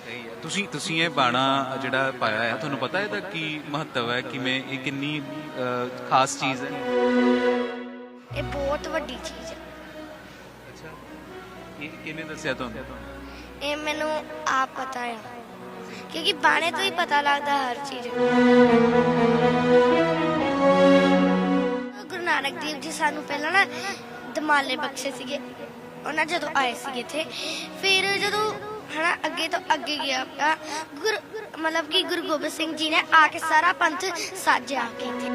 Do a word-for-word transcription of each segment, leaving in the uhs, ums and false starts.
ਸਹੀ ਹੈ। ਤੁਸੀਂ ਤੁਸੀਂ ਇਹ ਬਾਣਾ ਜਿਹੜਾ ਪਾਇਆ ਹੈ, ਤੁਹਾਨੂੰ ਪਤਾ ਇਹਦਾ ਕੀ ਮਹੱਤਵ ਹੈ, ਕਿਵੇਂ ਇਹ ਕਿੰਨੀ ਅ, ਖਾਸ ਚੀਜ਼ ਹੈ? ਇਹ ਬਹੁਤ ਵੱਡੀ ਚੀਜ਼ ਹੈ। ਅੱਛਾ, ਇਹ ਕਿਹਨੇ ਦੱਸਿਆ ਤੁਹਾਨੂੰ? ਇਹ ਮੈਨੂੰ ਆਪ ਪਤਾ ਆ, ਕਿਉਂਕਿ ਬਾਣੇ ਤੋਂ ਹੀ ਪਤਾ ਲੱਗਦਾ ਹਰ ਚੀਜ਼। ਗੁਰੂ ਨਾਨਕ ਦੇਵ ਜੀ ਸਾਨੂੰ ਪਹਿਲਾਂ ਨਾ ਦਮਾਲੇ ਬਖਸ਼ੇ ਸੀਗੇ, ਉਹਨਾਂ ਜਦੋਂ ਆਏ ਸੀਗੇ ਇੱਥੇ। ਫਿਰ ਜਦੋਂ ਹਨਾ ਅੱਗੇ ਤੋਂ ਅੱਗੇ ਗਿਆ ਆ, ਗੁਰ ਮਤਲਬ ਕਿ ਗੁਰੂ ਗੋਬਿੰਦ ਸਿੰਘ ਜੀ ਨੇ ਆ ਕੇ ਸਾਰਾ ਪੰਥ ਸਾਜਿਆ ਕੇ ਇੱਥੇ।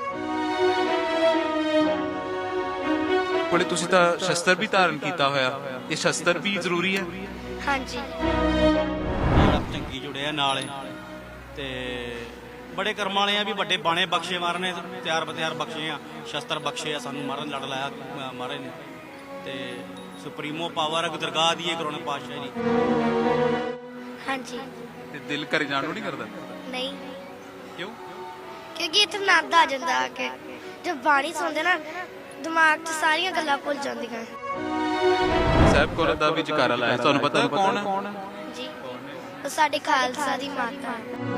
ਕੋਲੇ ਤੁਸੀਂ ਤਾਂ ਸ਼ਸਤਰ ਵੀ ਧਾਰਨ ਕੀਤਾ ਹੋਇਆ, ਇਹ ਸ਼ਸਤਰ ਵੀ ਜ਼ਰੂਰੀ ਹੈ? ਹਾਂਜੀ, ਜਿਹੜਾ ਚੰਗੀ ਜੁੜਿਆ ਨਾਲ ਤੇ ਬੜੇ ਕਰਮ ਵਾਲੇ ਆ ਵੀ ਵੱਡੇ ਬਾਣੇ ਬਖਸ਼ੇ ਮਹਾਰਾਜ ਨੇ, ਤਿਆਰ ਬਤਿਆਰ ਬਖਸ਼ੇ ਆ, ਸ਼ਸਤਰ ਬਖਸ਼ੇ ਆ ਸਾਨੂੰ ਮਹਾਰਾਜ ਲੜ ਲਾਇਆ ਮਹਾਰਾਜ ਨੇ। ਤੇ ਸੁਪਰੀਮੋ ਪਾਵਰ ਹੈ ਦਰਗਾਹ ਦੀ ਇਹ ਗੁਰੂ ਨਾਨਕ ਪਾਤਸ਼ਾਹ ਜੀ। ਹਾਂਜੀ। ਤੇ ਦਿਲ ਘਰ ਜਾਣ ਨੂੰ ਨਹੀਂ ਕਰਦਾ? ਨਹੀਂ, ਕਿਉਂ? ਕਿਉਂਕਿ ਇੱਥੇ ਆਨੰਦ ਆ ਜਾਂਦਾ ਆ ਕੇ। ਜਦ ਬਾਣੀ ਸੁਣਦੇ ਨਾ, ਦਿਮਾਗ 'ਚ ਸਾਰੀਆਂ ਗੱਲਾਂ ਭੁੱਲ ਜਾਂਦੀਆਂ। ਸਾਹਿਬ ਕੌਰ ਦਾ ਵੀ ਜਕਾਰਾ ਲਾਇਆ, ਤੁਹਾਨੂੰ ਪਤਾ ਕੌਣ ਹੈ? ਜੀ, ਉਹ ਸਾਡੇ ਖਾਲਸਾ ਦੀ ਮਾਤਾ ਹੈ।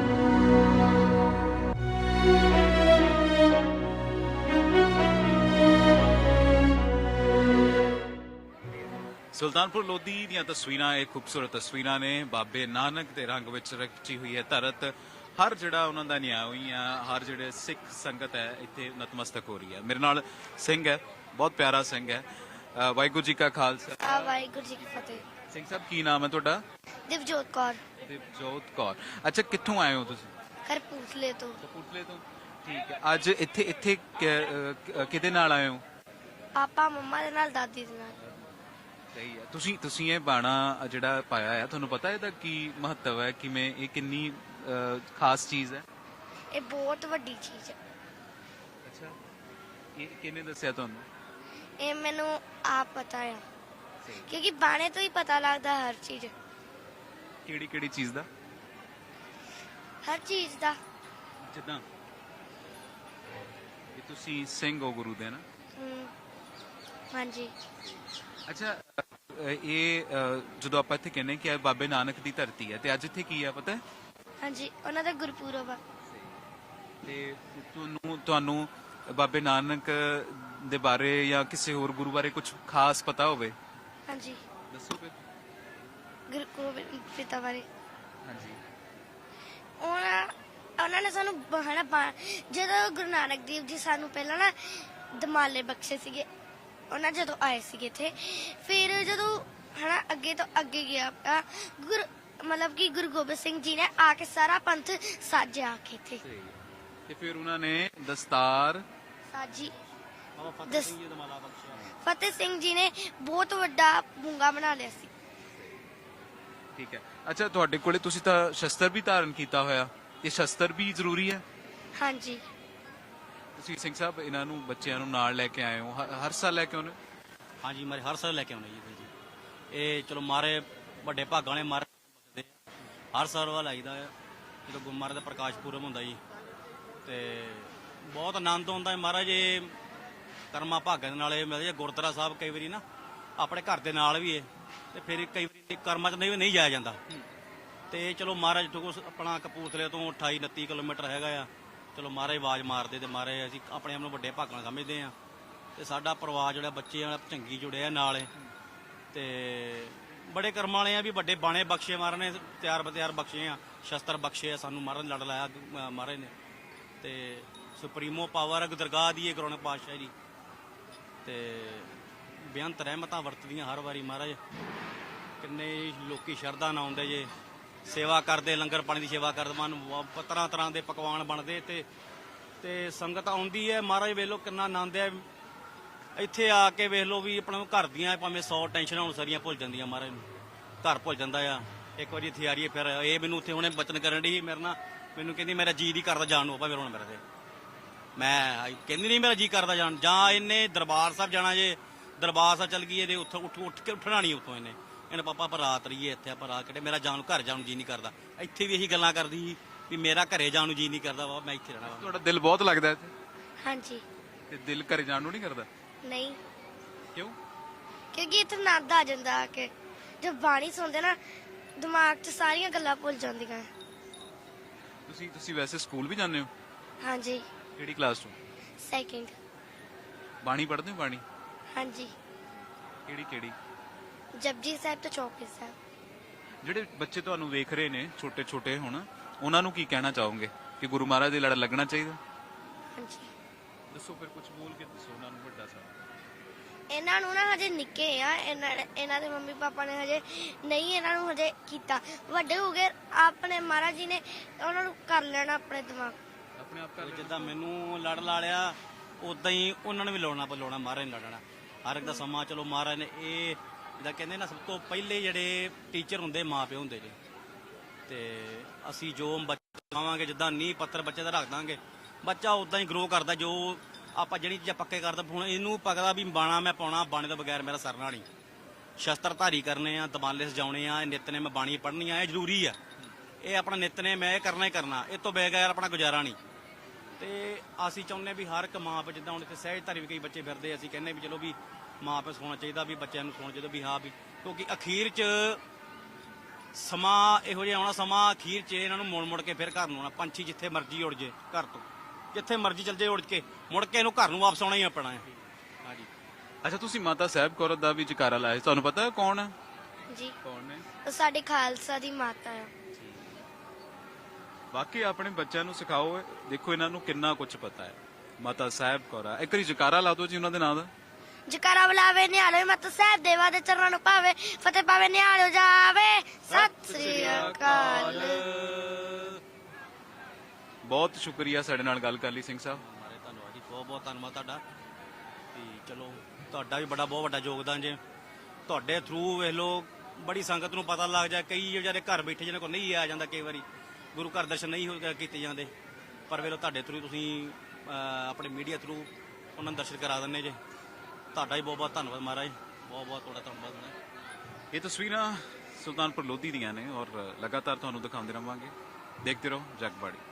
ਸੁਲਤਾਨਪੁਰ ਲੋਧੀ ਦੀਆਂ ਤਸਵੀਰਾਂ, ਇਹ ਖੂਬਸੂਰਤ ਤਸਵੀਰਾਂ ਨੇ। ਬਾਬੇ ਨਾਨਕ ਦੇ ਰੰਗ ਵਿੱਚ ਰਚੀ ਹੋਈ ਹੈ ਧਰਤ। ਹਰ ਜਿਹੜਾ ਉਹਨਾਂ ਦਾ ਨਿਆਂ ਹੋਈ ਆ, ਹਰ ਜਿਹੜੇ ਸਿੱਖ ਸੰਗਤ ਹੈ ਇੱਥੇ ਨਤਮਸਤਕ ਹੋ ਰਹੀ ਹੈ। ਮੇਰੇ ਨਾਲ ਸਿੰਘ ਹੈ, ਬਹੁਤ ਪਿਆਰਾ ਸਿੰਘ ਹੈ। ਅ, ਵਾਹਿਗੁਰੂ ਜੀ ਕਾ ਖਾਲਸਾ। ਆ ਵਾਹਿਗੁਰੂ ਜੀ ਕੀ ਫਤਿਹ। ਸਿੰਘ ਸਾਹਿਬ, ਕੀ ਨਾਮ ਹੈ ਤੁਹਾਡਾ? ਦਿਵਜੋਤ ਕੌਰ, ਦਿਵਜੋਤ ਕੌਰ। ਅੱਛਾ, ਕਿੱਥੋਂ ਆਏ ਹੋ ਤੁਸੀਂ? ਕਰਪੂਥਲੇ ਤੋਂ। ਕਪੂਰਥਲੇ ਤੋਂ। ਠੀਕ ਹੈ। ਅੱਜ ਇੱਥੇ ਇੱਥੇ ਕਿ- ਅ, ਕਿਹਦੇ ਨਾਲ ਆਏ ਹੋ? ਪਾਪਾ ਮੰਮਾ ਦੇ ਨਾਲ, ਦਾਦੀ ਦੇ ਨਾਲ। ਸਹੀ ਹੈ। ਤੁਸੀਂ ਤੁਸੀਂ ਇਹ ਬਾਣਾ ਜਿਹੜਾ ਪਾਇਆ ਹੈ, ਤੁਹਾਨੂੰ ਪਤਾ ਇਹਦਾ ਕੀ ਮਹੱਤਵ ਹੈ, ਕਿਵੇਂ ਇਹ ਕਿੰਨੀ ਅ, ਖਾਸ ਚੀਜ਼ ਹੈ? ਇਹ ਬਹੁਤ ਵੱਡੀ ਚੀਜ਼ ਹੈ। ਅੱਛਾ, ਇਹ ਕਿਹਨੇ ਦੱਸਿਆ ਤੁਹਾਨੂੰ? ਇਹ ਮੈਨੂੰ ਆਪ ਪਤਾ ਆ, ਕਿਉਂਕਿ ਬਾਣੇ ਤੋਂ ਹੀ ਪਤਾ ਲੱਗਦਾ ਹਰ ਚੀਜ਼। ਕਿਹੜੀ ਕਿਹੜੀ ਚੀਜ਼ ਦਾ? ਹਰ ਚੀਜ਼ ਦਾ। ਜਿੱਦਾਂ ਇਹ ਤੁਸੀਂ ਸਿੰਘ ਹੋ ਗੁਰੂ ਦੇ ਨਾ? ਹਮ, ਹਾਂਜੀ। ਅੱਛਾ, ਅ, ਇਹ ਅ, ਜਦੋਂ ਆਪਾਂ ਇੱਥੇ ਕਹਿੰਦੇ ਕਿ ਇਹ ਬਾਬੇ ਨਾਨਕ ਦੀ ਧਰਤੀ ਹੈ, ਤੇ ਅੱਜ ਇੱਥੇ ਕੀ ਹੈ ਪਤਾ ਹੈ? ਹਾਂਜੀ, ਉਹਨਾਂ ਦਾ ਗੁਰਪੁਰਬ ਆ। ਤੇ ਤੁਹਾਨੂੰ ਤੁਹਾਨੂੰ ਬਾਬੇ ਨਾਨਕ ਦੇ ਬਾਰੇ ਜਾਂ ਕਿਸੇ ਹੋਰ ਗੁਰੂ ਬਾਰੇ ਕੁਝ ਖਾਸ ਪਤਾ ਹੋਵੇ? ਹਾਂਜੀ, ਦੱਸੋ ਫਿਰ। ਗੁਰੂ ਗੋਬਿੰਦ ਪਿਤਾ ਬਾਰੇ ਹਾਂਜੀ। ਉਹਨਾਂ ਉਹਨਾਂ ਨੇ ਸਾਨੂੰ ਬ- ਹਨਾ ਬਾ- ਜਦੋਂ ਗੁਰੂ ਨਾਨਕ ਦੇਵ ਜੀ ਸਾਨੂੰ ਪਹਿਲਾਂ ਨਾ ਦਮਾਲੇ ਬਖਸ਼ੇ ਸੀਗੇ, ਉਹਨਾਂ ਜਦੋਂ ਆਏ ਸੀਗੇ ਇੱਥੇ। ਫਿਰ ਜਦੋਂ ਹਨਾ ਅੱਗੇ ਤੋਂ ਅੱਗੇ ਗਿਆ ਆ, ਗੁਰ ਮਤਲਬ ਕਿ ਗੁਰੂ ਗੋਬਿੰਦ ਸਿੰਘ ਜੀ ਨੇ ਆ ਕੇ ਸਾਰਾ ਪੰਥ ਸਾਜਿਆ ਕੇ ਇੱਥੇ। ਤੇ ਫਿਰ ਉਹਨਾਂ ਨੇ ਦਸਤਾਰ ਸਾਜੀ। ਬਾਬਾ ਫਤਿਹ ਦਸ- ਸਿੰਘ ਜੀ ਦਾ ਮਾਲਾ ਬਖਸ਼ਿਆ। ਫਤਿਹ ਸਿੰਘ ਜੀ ਨੇ ਬਹੁਤ ਵੱਡਾ ਬੁੰਗਾ ਬਣਾ ਲਿਆ ਸੀ। ਠੀਕ ਹੈ। ਅੱਛਾ, ਤੁਹਾਡੇ ਕੋਲੇ ਤੁਸੀਂ ਤਾਂ ਸ਼ਸਤਰ ਵੀ ਧਾਰਨ ਕੀਤਾ ਹੋਇਆ, ਇਹ ਸ਼ਸਤਰ ਵੀ ਜ਼ਰੂਰੀ ਹੈ? ਹਾਂਜੀ, ਤੁਸੀਂ ਸਿੰਘ ਸਾਹਿਬ ਇਹਨਾਂ ਨੂੰ ਬੱਚਿਆਂ ਨੂੰ ਨਾਲ ਲੈ ਕੇ ਆਏ ਹੋ, ਹ- ਹਰ ਸਾਲ ਲੈ ਕੇ ਆਉਂਦੇ ਹੋ? ਹਾਂਜੀ, ਮਾਰੇ ਹਰ ਸਾਲ ਲੈ ਕੇ ਆਉਂਦੇ ਜੀ ਇੱਥੇ ਜੀ। ਇਹ ਚਲੋ ਮਾਰੇ ਵੱਡੇ ਭਾਗਾਂ ਵਾਲੇ ਮਾਰੇ ਬਖਸ਼ਦੇ ਆ। ਹਰ ਸਾਲ ਵਾ ਲਾਈਦਾ ਆ ਜਦੋਂ ਗੁਰੂ ਮਹਾਰਾਜ ਦਾ ਪ੍ਰਕਾਸ਼ ਪੁਰਬ ਹੁੰਦਾ ਜੀ। ਤੇ ਬਹੁਤ ਆਨੰਦ ਆਉਂਦਾ ਹੈ ਮਹਾਰਾਜ। ਇਹ ਕਰਮਾ ਭਾਗਾਂ ਦੇ ਨਾਲ ਇਹ ਮਿਲਦਾ ਜੀ। ਗੁਰਦੁਆਰਾ ਸਾਹਿਬ ਕਈ ਵਾਰੀ ਨਾ ਆਪਣੇ ਘਰ ਦੇ ਨਾਲ ਵੀ ਹੈ, ਤੇ ਫਿਰ ਕਈ ਵਾਰੀ ਕਰਮਾਂ 'ਚ ਨਹੀਂ ਨਹੀਂ ਜਾਇਆ ਜਾਂਦਾ। ਤੇ ਚਲੋ ਮਹਾਰਾਜ ਤੋਂ ਆਪਣਾ ਕਪੂਰਥਲੇ ਤੋਂ ਅਠਾਈ ਉਨੱਤੀ ਕਿਲੋਮੀਟਰ ਹੈਗਾ ਆ। ਚਲੋ ਮਹਾਰਾਜ ਆਵਾਜ਼ ਮਾਰਦੇ ਤੇ ਮਹਾਰਾਜ ਅਸੀਂ ਆਪਣੇ ਆਪ ਨੂੰ ਵੱਡੇ ਭਾਗਾਂ ਨਾਲ ਸਮਝਦੇ ਆ। ਤੇ ਸਾਡਾ ਪਰਿਵਾਰ ਜਿਹੜਾ ਬੱਚੇ ਵਾਲਾ ਚੰਗੀ ਜੁੜਿਆ ਨਾਲ ਤੇ ਬੜੇ ਕਰਮ ਵਾਲੇ ਆ ਵੀ ਵੱਡੇ ਬਾਣੇ ਬਖਸ਼ੇ ਮਹਾਰਾਜ ਨੇ, ਤਿਆਰ ਬਤਿਆਰ ਬਖਸ਼ੇ ਆ, ਸ਼ਸਤਰ ਬਖਸ਼ੇ ਆ ਸਾਨੂੰ ਮਹਾਰਾਜ ਲੜ ਲਾਇਆ ਮਹਾਰਾਜ ਨੇ। ਤੇ ਸੁਪਰੀਮੋ ਪਾਵਰ ਹੈ ਦਰਗਾਹ ਦੀ ਇਹ ਗੁਰੂ ਨਾਨਕ ਪਾਤਸ਼ਾਹ ਜੀ। ਤੇ ਬੇਅੰਤ ਰਹਿਮਤਾਂ ਵਰਤਦੀਆਂ ਹਰ ਵਾਰੀ ਮਹਾਰਾਜ। ਕਿੰਨੇ ਲੋਕੀ ਸ਼ਰਧਾ ਨਾਲ ਆਉਂਦੇ ਜੇ, ਸੇਵਾ ਕਰਦੇ, ਲੰਗਰ ਪਾਣੀ ਦੀ ਸੇਵਾ ਕਰਦੇ, ਮਨ ਤਰ੍ਹਾਂ ਤਰ੍ਹਾਂ ਦੇ ਪਕਵਾਨ ਬਣਦੇ ਤੇ ਤੇ ਸੰਗਤ ਆਉਂਦੀ ਹੈ। ਮਹਾਰਾਜ ਵੇਖ ਲਓ ਕਿੰਨਾ ਆਨੰਦ ਹੈ ਇੱਥੇ ਆ ਕੇ। ਵੇਖ ਲਓ ਵੀ ਆਪਣਾ ਘਰ ਦੀਆਂ ਭਾਵੇਂ ਸੌ ਟੈਨਸ਼ਨਾਂ ਹੁਣ ਸਾਰੀਆਂ ਭੁੱਲ ਜਾਂਦੀਆਂ ਮਹਾਰਾਜ ਨੂੰ। ਘਰ ਭੁੱਲ ਜਾਂਦਾ ਆ ਇੱਕ ਵਾਰੀ ਇੱਥੇ ਆ ਰਹੀ ਹੈ। ਫਿਰ ਇਹ ਮੈਨੂੰ ਉੱਥੇ ਹੁਣੇ ਬਚਨ ਕਰਨ ਡਈ ਮੇਰੇ ਨਾਲ, ਮੈਨੂੰ ਕਹਿੰਦੀ ਮੇਰਾ ਜੀ ਨਹੀਂ ਕਰਦਾ ਜਾਣ ਨੂੰ ਭਾਵੇਂ ਹੁਣ ਮੇਰੇ ਤੇ। ਮੈਂ ਕਹਿੰਦੀ ਨਹੀਂ ਮੇਰਾ ਜੀ ਕਰਦਾ ਜਾਣ। ਜਾਂ ਇਹਨੇ ਦਰਬਾਰ ਸਾਹਿਬ ਜਾਣਾ ਜੇ, ਦਰਬਾਰ ਸਾਹਿਬ ਚੱਲ ਗਈ ਇਹਦੇ ਉੱਥੋਂ ਉੱਠ ਉੱਠ ਕੇ ਉੱਠਣਾ ਨਹੀਂ ਉੱਥੋਂ। ਇਹਨੇ ਇਹਨੇ ਪਾਪਾ ਆਪਾਂ ਰਾਤ ਰਹੀਏ ਇੱਥੇ, ਆਪਾਂ ਰਾਤ ਕਿਹੜੇ ਮੇਰਾ ਜਾਣ ਨੂੰ ਘਰ ਜਾਣ ਨੂੰ ਜੀ ਨਹੀਂ ਕਰਦਾ। ਇੱਥੇ ਵੀ ਇਹੀ ਗੱਲਾਂ ਕਰਦੀ ਸੀ ਵੀ ਮੇਰਾ ਘਰੇ ਜਾਣ ਨੂੰ ਜੀ ਨਹੀਂ ਕਰਦਾ ਵਾ, ਮੈਂ ਇੱਥੇ ਰਹਿਣਾ ਵਾ। ਤੁਹਾਡਾ ਦਿਲ ਬਹੁਤ ਲੱਗਦਾ ਇੱਥੇ? ਹਾਂਜੀ। ਤੇ ਦਿਲ ਘਰੇ ਜਾਣ ਨੂੰ ਨਹੀਂ ਕਰਦਾ? ਨਹੀਂ, ਕਿਉਂ? ਕਿਉਂਕਿ ਇੱਥੇ ਆਨੰਦ ਆ ਜਾਂਦਾ ਆ ਕੇ। ਜਦ ਬਾਣੀ ਸੁਣਦੇ ਨਾ, ਦਿਮਾਗ 'ਚ ਸਾਰੀਆਂ ਗੱਲਾਂ ਭੁੱਲ ਜਾਂਦੀਆਂ। ਤੁਸੀਂ ਤੁਸੀਂ ਵੈਸੇ ਸਕੂਲ ਵੀ ਜਾਂਦੇ ਹੋ? ਹਾਂਜੀ, ਕਿਹੜੀ ਕਲਾਸ ਤੋਂ? ਸੈਕਿੰਡ। ਬਾਣੀ ਪੜ੍ਹਦੇ ਹੋ? ਬਾਣੀ ਹਾਂਜੀ, ਕਿਹੜੀ ਕਿਹੜੀ? ਜਪਜੀ ਸਾਹਿਬ ਤੇ ਚੌਪਈ ਸਾਹਿਬ। ਜਿਹੜੇ ਬੱਚੇ ਤੁਹਾਨੂੰ ਵੇਖ ਰਹੇ ਨੇ ਛੋਟੇ ਛੋਟੇ ਹੁਣ, ਉਹਨਾਂ ਨੂੰ ਕੀ ਕਹਿਣਾ ਚਾਹੋਗੇ ਕਿ ਗੁਰੂ ਮਹਾਰਾਜ ਦੇ ਲੜ ਲੱਗਣਾ ਚਾਹੀਦਾ? ਹਾਂਜੀ, ਦੱਸੋ ਫਿਰ, ਕੁਝ ਬੋਲ ਕੇ ਦੱਸੋ ਉਹਨਾਂ ਨੂੰ ਵੱਡਾ ਸਾਹਿਬ। ਇਹਨਾਂ ਨੂੰ ਨਾ ਹਜੇ ਨਿੱਕੇ ਆ, ਇਹਨਾਂ ਇਹਨਾਂ ਦੇ ਮੰਮੀ ਪਾਪਾ ਨੇ ਹਜੇ ਨਹੀਂ ਇਹਨਾਂ ਨੂੰ ਹਜੇ ਕੀਤਾ। ਵੱਡੇ ਹੋ ਗਏ ਆਪਣੇ ਮਹਾਰਾਜ ਜੀ ਨੇ ਉਹਨਾਂ ਨੂੰ ਕਰ ਲੈਣਾ ਆਪਣੇ ਦਿਮਾਗ ਆਪਣੇ ਆਪ ਕਰ ਜਿੱਦਾਂ ਮੈਨੂੰ ਲੜ ਲਾ ਲਿਆ ਉਦਾਂ ਹੀ ਉਹਨਾਂ ਨੂੰ ਵੀ ਲਾਉਣਾ ਲਾਉਣਾ ਮਹਾਰਾਜ ਨੇ ਲੜਨਾ। ਹਰ ਇੱਕ ਦਾ ਸਮਾਂ ਚਲੋ ਮਹਾਰਾਜ ਨੇ ਇਹ ਜਿੱਦਾਂ ਕਹਿੰਦੇ ਨਾ, ਸਭ ਤੋਂ ਪਹਿਲੇ ਜਿਹੜੇ ਟੀਚਰ ਹੁੰਦੇ ਮਾਂ ਪਿਓ ਹੁੰਦੇ ਜੀ। ਤੇ ਅਸੀਂ ਜੋ ਬਚਾਵਾਂਗੇ, ਜਿੱਦਾਂ ਨੀਂਹ ਪੱਥਰ ਬੱਚੇ ਦਾ ਰੱਖ ਦਾਂਗੇ, ਬੱਚਾ ਉਦਾਂ ਹੀ ਗਰੋ ਕਰਦਾ। ਜੋ ਆਪਾਂ ਜਿਹੜੀ ਚੀਜ਼ਾਂ ਪੱਕੇ ਕਰਦਾ, ਹੁਣ ਇਹਨੂੰ ਪਕਦਾ ਵੀ ਬਾਣਾ ਮੈਂ ਪਾਉਣਾ, ਬਾਣੇ ਤੋਂ ਬਗੈਰ ਮੇਰਾ ਸਰਨਾ ਨਹੀਂ। ਸ਼ਸਤਰ ਧਾਰੀ ਕਰਨੇ ਆ, ਦਮਾਲੇ ਸਜਾਉਣੇ ਆ, ਨਿੱਤ ਨੇ ਮੈਂ ਬਾਣੀ ਪੜ੍ਹਨੀ ਆ, ਇਹ ਜ਼ਰੂਰੀ ਆ। ਇਹ ਆਪਣਾ ਨਿੱਤ ਨੇ ਮੈਂ ਇਹ ਕਰਨਾ ਹੀ ਕਰਨਾ, ਇਹ ਤੋਂ ਬਗੈਰ ਆਪਣਾ ਗੁਜ਼ਾਰਾ ਨਹੀਂ। ਤੇ ਅਸੀਂ ਚਾਹੁੰਦੇ ਵੀ ਹਰ ਇੱਕ ਮਾਂ ਪਿਓ, ਜਿੱਦਾਂ ਹੁਣ ਇੱਥੇ ਸਹਿਜ ਧਾਰੀ ਵੀ ਕਈ ਬੱਚੇ ਫਿਰਦੇ, ਅਸੀਂ ਕਹਿੰਦੇ ਵੀ ਚਲੋ ਵੀ ਮਾਂ ਪਿਓ ਸੋਣਾ ਚਾਹੀਦਾ, ਵੀ ਬੱਚਿਆਂ ਨੂੰ ਸੋਣਾ ਚਾਹੀਦਾ ਵੀ ਹਾਂ ਵੀ, ਕਿਉਂਕਿ ਅਖੀਰ 'ਚ ਸਮਾਂ ਇਹੋ ਜਿਹਾ ਆਉਣਾ, ਸਮਾਂ ਅਖੀਰ 'ਚ ਇਹਨਾਂ ਨੂੰ ਮੁੜ ਮੁੜ ਕੇ ਫਿਰ ਘਰ ਨੂੰ ਆਉਣਾ। ਪੰਛੀ ਜਿੱਥੇ ਮਰਜ਼ੀ ਉੜ ਜੇ ਘਰ ਤੋਂ, ਜਿੱਥੇ ਮਰਜ਼ੀ ਚੱਲ ਜੇ ਉੜ ਕੇ, ਮੁੜ ਕੇ ਇਹਨੂੰ ਘਰ ਨੂੰ ਵਾਪਸ ਆਉਣਾ ਹੀ ਆਪਣਾ ਹੈ। ਹਾਂਜੀ। ਅੱਛਾ, ਤੁਸੀਂ ਮਾਤਾ ਸਾਹਿਬ ਕੌਰ ਦਾ ਵੀ ਜਕਾਰਾ ਲਾਇਆ, ਤੁਹਾਨੂੰ ਪਤਾ ਹੈ ਕੌਣ ਹੈ? ਜੀ। ਕੌਣ ਨੇ? ਉਹ ਸਾਡੇ ਖਾਲਸਾ ਦੀ ਮਾਤਾ ਆ। ਬਾਕੀ ਆਪਣੇ ਬੱਚਿਆਂ ਨੂੰ ਸਿਖਾਓ, ਦੇਖੋ ਇਹਨਾਂ ਨੂੰ ਕਿੰਨਾ ਕੁਝ ਪਤਾ ਹੈ। ਮਾਤਾ ਸਾਹਿਬ ਕੌਰ ਆ, ਇੱਕ ਵਾਰੀ ਜਕਾਰਾ ਲਾ ਦਿਓ ਜੀ ਉਹਨਾਂ ਦੇ ਨਾਂ ਦਾ। ਜਕਾਰਾ ਬੁਲਾਵੇ ਨਿਹਾਲੋ ਮਾਤਾ ਸਾਹਿਬ ਦੇਵਾ ਦੇ ਚਰਨਾਂ ਨੂੰ ਪਾਵੇ, ਫਤਿਹ ਪਾਵੇ ਨਿਹਾਲੋ ਜਾਵੇ, ਸਤਿ ਸ੍ਰੀ ਅਕਾਲ। ਬਹੁਤ ਸ਼ੁਕਰੀਆ ਸਾਡੇ ਨਾਲ ਗੱਲ ਕਰ ਲਈ ਸਿੰਘ ਸਾਹਿਬ। ਮਾਰੇ ਧੰਨਵਾਦ ਜੀ, ਬਹੁਤ ਬਹੁਤ ਧੰਨਵਾਦ ਤੁਹਾਡਾ। ਤੇ ਚਲੋ ਤੁਹਾਡਾ ਵੀ ਬੜਾ ਬਹੁਤ ਵੱਡਾ ਯੋਗਦਾਨ ਜੇ। ਤੁਹਾਡੇ ਥਰੂ ਵੇਖ ਲਓ ਬੜੀ ਸੰਗਤ ਨੂੰ ਪਤਾ ਲੱਗ ਜਾ। ਕਈ ਵਿਚਾਰੇ ਘਰ ਬੈਠੇ ਜਿਹਨਾਂ ਕੋਲ ਨਹੀਂ ਆ ਜਾਂਦਾ, ਕਈ ਵਾਰੀ ਗੁਰੂ ਘਰ ਦਰਸ਼ਨ ਨਹੀਂ ਹੋ ਕੀਤੇ ਜਾਂਦੇ, ਪਰ ਵੇਖ ਲਓ ਤੁਹਾਡੇ ਥਰੂ ਤੁਸੀਂ ਆਪਣੇ ਮੀਡੀਆ ਥਰੂ ਉਹਨਾਂ ਨੂੰ ਦਰਸ਼ਨ ਕਰਾ ਦਿੰਦੇ ਜੇ। ਤੁਹਾਡਾ ਵੀ ਬਹੁਤ ਬਹੁਤ ਧੰਨਵਾਦ ਮਹਾਰਾਜ, ਬਹੁਤ ਬਹੁਤ ਤੁਹਾਡਾ ਧੰਨਵਾਦ। ਇਹ ਤਸਵੀਰਾਂ ਸੁਲਤਾਨਪੁਰ ਲੋਧੀ ਦੀਆਂ ਨੇ ਔਰ ਲਗਾਤਾਰ ਤੁਹਾਨੂੰ ਦਿਖਾਉਂਦੇ ਰਹਾਂਗੇ। ਦੇਖਦੇ ਰਹੋ ਜਗਬਾੜੀ।